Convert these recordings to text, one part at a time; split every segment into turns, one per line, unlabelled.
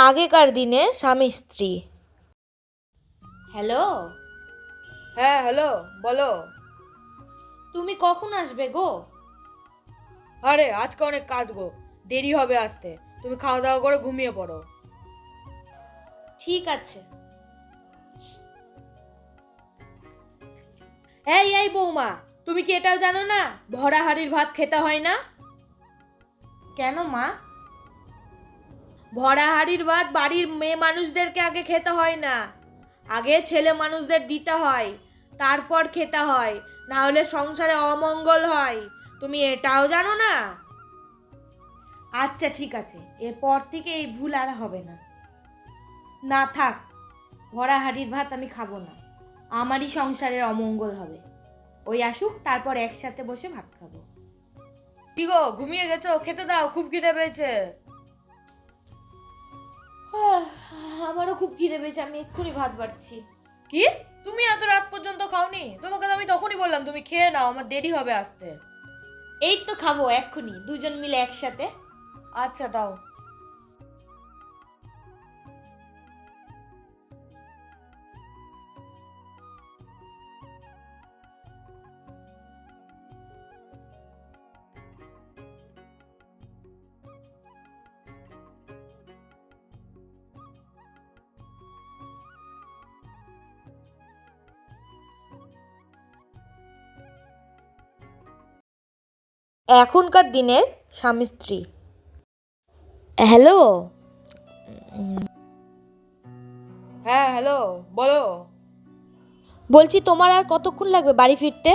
আগেকার দিনে স্বামী স্ত্রী। হ্যালো,
হ্যাঁ হ্যালো, বলো।
তুমি কখন আসবে গো?
আরে আজকে অনেক কাজ গো, দেরি হবে আসতে। তুমি খাওয়া দাওয়া করে ঘুমিয়ে পড়ো।
ঠিক আছে। এই বৌমা, তুমি কি এটাও জানো না ভরা হাঁড়ির ভাত খেতে হয় না? কেন মা? ভরা হাঁড়ির ভাত বাড়ির মেয়ে মানুষদেরকে আগে খেতে হয় না, আগে ছেলে মানুষদের দিতে হয়, তারপর খেতে হয়, না হলে সংসারে অমঙ্গল হয়। তুমি এটাও জানো না? আচ্ছা ঠিক আছে, এরপর থেকে এই ভুল আর হবে না। না থাক, ভরা হাঁড়ির ভাত আমি খাবো না, আমারই সংসারের অমঙ্গল হবে। ওই আসুক, তারপর একসাথে বসে ভাত খাবো।
কি গো, ঘুমিয়ে গেছো? খেতে দাও, খুব খিদে পেয়েছে।
আমারও খুব খিদে পেয়েছে, আমি এক্ষুনি ভাত বাড়ছি।
কি, তুমি এত রাত পর্যন্ত খাওনি? তোমাকে তো আমি তখনই বললাম তুমি খেয়ে নাও, আমার দেরি হবে আসতে।
এই তো খাবো এক্ষুনি, দুজন মিলে একসাথে।
আচ্ছা দাও।
এখনকার দিনের স্বামী স্ত্রী। হ্যালো,
হ্যাঁ হ্যালো, বলো।
বলছি তোমার আর কতক্ষণ লাগবে বাড়ি ফিরতে?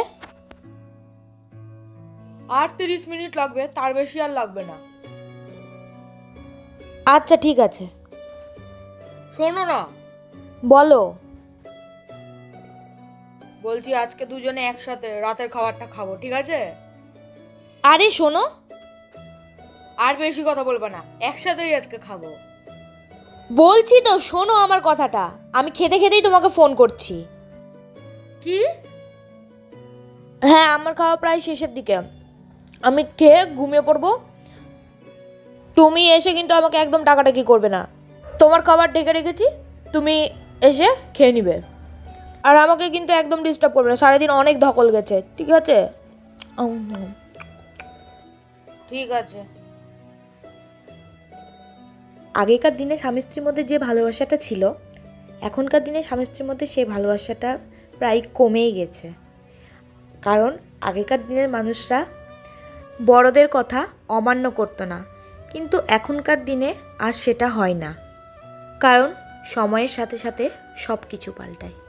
আর 30 মিনিট লাগবে, তার বেশি আর লাগবে না।
আচ্ছা ঠিক আছে।
শোনো না,
বলো।
বলছি আজকে দুজনে একসাথে রাতের খাবারটা খাবো, ঠিক আছে?
আরে শোনো,
আর বেশি কথা বলবে না, একসাথেই আজকে খাবো।
বলছি তো শোনো আমার কথাটা, আমি খেতে খেতেই তোমাকে ফোন করছি।
কি?
হ্যাঁ, আমার খাওয়া প্রায় শেষের দিকে, আমি খেয়ে ঘুমিয়ে পড়বো। তুমি এসে কিন্তু আমাকে একদম ডাকাডাকি করবে না, তোমার খাবার ঢেকে রেখেছি, তুমি এসে খেয়ে নিবে। আর আমাকে কিন্তু একদম ডিস্টার্ব করবে না, সারাদিন অনেক ধকল গেছে, ঠিক আছে?
ঠিক আছে।
আগেকার দিনে স্বামী স্ত্রীর মধ্যে যে ভালোবাসাটা ছিল, এখনকার দিনে স্বামী স্ত্রীর মধ্যে সেই ভালোবাসাটা প্রায় কমেই গেছে। কারণ আগেকার দিনের মানুষরা বড়দের কথা অমান্য করতো না, কিন্তু এখনকার দিনে আর সেটা হয় না, কারণ সময়ের সাথে সাথে সব কিছু পাল্টায়।